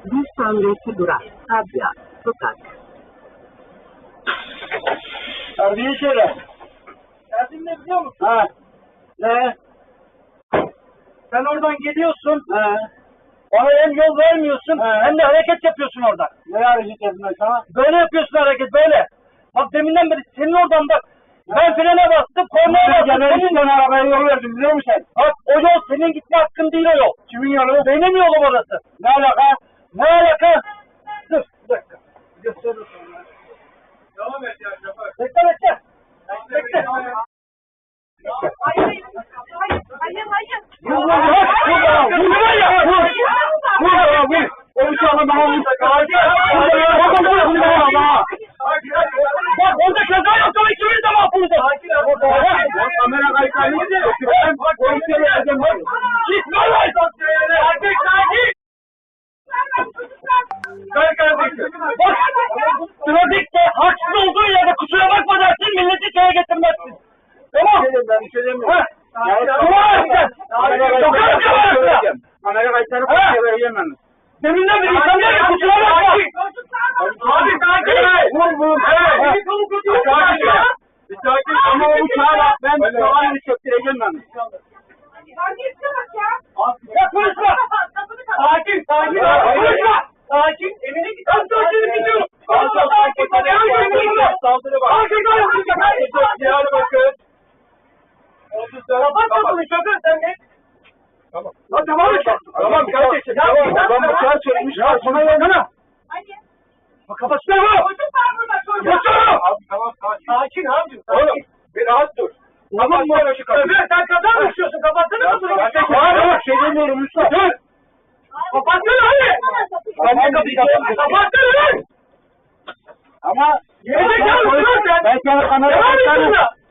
Bir sonraki durak Sabya Sokak. Terbiye söyle. Derdin ne biliyor musun? Ha. Ne? Sen oradan geliyorsun. He. Bana hem yol vermiyorsun hem de hareket yapıyorsun orada. Ne hareket yapıyorsun sana? Böyle yapıyorsun hareket böyle. Bak deminden beri senin oradan bak. Ben frene bastım, kornaya bastım. Senin arabaya yol verdim biliyor musun sen? Bak o yol senin gitme hakkın değil o yol. Kimin yolu? Benim yolum orası. Ne alaka? Ne alaka? Dur bir dakika. Gösteririm sana. Devam et ya şoför. Bekle bekle. Bekle. Hayır. Bak orada kaza yapsam ikimiz de mahvolacağız. Kamera kayıtlarını bak polisiye vereceğim. Gitme lan! Erkek sakin! Kay kardeşim. Bak trafikte haksız olduğu yerde kusura bakma dersin milleti şeye getirmezsin. Tamam. Ben bir şey demiyorum. Kamera kayıtlarını polisiye vereceğim ben. Deminden beri insanlar ya kusura bakma. Abi sakin. Vur. Bir sakin ama o uçağa bak. Ben soğanını çöktüreceğim ben. Ya konuşma. Sakin. Konuşma. Sakin. Emine git. Ben sakin gidiyorum. Sakin. Saldırı var. Sakin. Bakın. Kapat kapını şoför sen ne? Tamam. Tamam kardeşim. Tamam uçağı çekmiş. Sana yansana. Bak kapatsana mı? Yansana. Abi tamam sakin abicim. Oğlum bir rahat dur. Tamam mı? Ömer sen kaza mı düşüyorsun? Kapatsana kapını. Abi şey demiyorum Mustafa. Dur. Kapatsana hadi. Kapatsana lan. Ama ben sana kamera